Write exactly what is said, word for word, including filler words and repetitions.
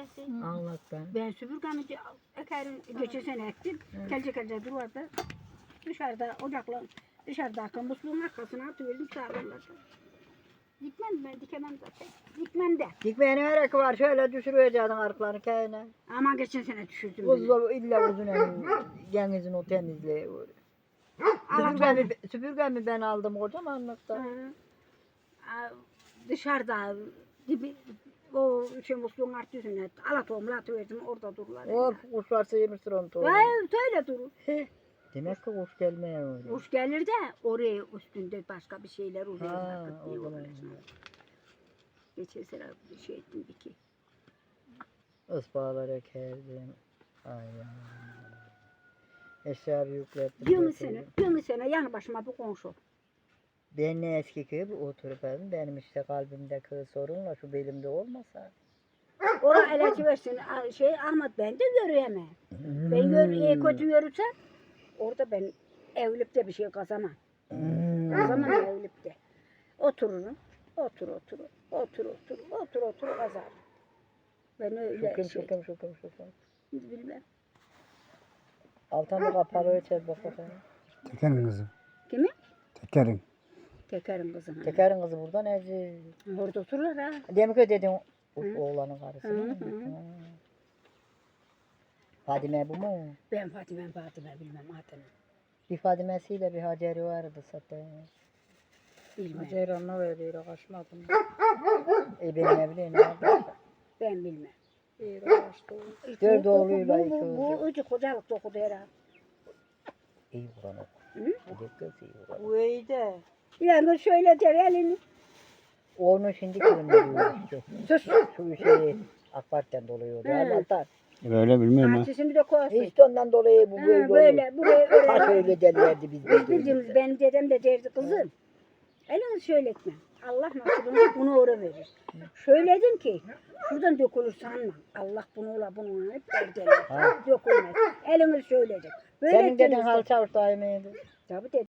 süpürgesi. Anlat ben. Ben süpürgemi de- ekerim, geçen sene ektim. Kelce kelce duvarda. Dışarıda ocakla, dışarıda arka musluğun arkasına atıverdim sağlarlar. Dikmem ben, dikemem zaten. Dikmem de. Dikmeye ne gerek var? Şöyle düşürüveceksin arkalarını kendine. Ama geçen sene düşürdüm beni. Uzun, illa uzun elin, genizin o temizliği. Süpürgemi, süpürgemi ben aldım kocamanlıkta. Hı. Aa, Dışarıda dibi, o şey musluğun alt yüzüne alatoğumla atıverdim orada dururlar. Of kuşlar sıyırmıştır onu tohumu. Vay öyle durur. Demek ki kuş gelmeye öyle. Kuş gelir de oraya üstünde başka bir şeyler oluyor. Ha, vakit o diyor zaman. orasına. Geçen sene bir şey ettim bir ki. Ispağlar ekerdim. Ay ay. Eşya yüklettim. Yirmi getirdim. sene, yirmi sene yanı başıma bir komşu. Ben ne eski gibi oturup evim. Benim işte kalbimdeki sorunla şu belimde olmasa. Oraya eleci versin şey Ahmet ben de görüyemem. Ben gör, iyi kötü görürsem orada ben evlip de bir şey kazanamam. Hmm. Kazanamam evlip de. Otururum. Otur otur. Otur otur. Otur otur kazarım. Ben öyle Şüküm şey. şüküm şüküm şüküm. Bilmem. Altan bir kapalı ölçer bak bakayım. Tekerin kızı. Kimi? Tekerin. Tekerin kızına. Tekerin kızı buradan Erci. Orada otururlar ha. Demek ki dedin o- Hı. oğlanın karısı. Hı, mı? hı. Ha. Fadime bu mu? Ben Fatime Fatime bilmem adını. Bir Fadime'siyle bir Hacer'i vardı zaten. Bilmem. Hacer ona veriyor, kaçmadım. E benim ne bileyim ne yapayım? Ben bilmem. Dört Bu- oğluyla bu- iki bu- Bu kızı. öcü kocalıkta okudu herhalde. İyi Kur'an oku. Hı? Bu da kız iyi Kur'an. Bu iyi de. Yani şöyle der elini. Onu şimdi kırmıyor işte. Sus. Şu şeyi AK Parti'den dolayı Hı. Allah'tan. Öyle bilmiyorum ha. Bahçesini de koysun. İşte ondan dolayı bu Ha, böyle, böyle buraya Kaç öyle. öyle derlerdi biz. Biz bildiğimiz benim dedem de derdi kızım. Elini şöyle etme. Allah nasibini bunu uğra verir. Söyledim ki şuradan dökülür sanma. Allah bunu ola bunu hep derdiler. Ha. Dökülmez. Elini söyledim. Böyle Senin deden ettiğinizde- Halı Çavuş daimiydi. Tabii dedim.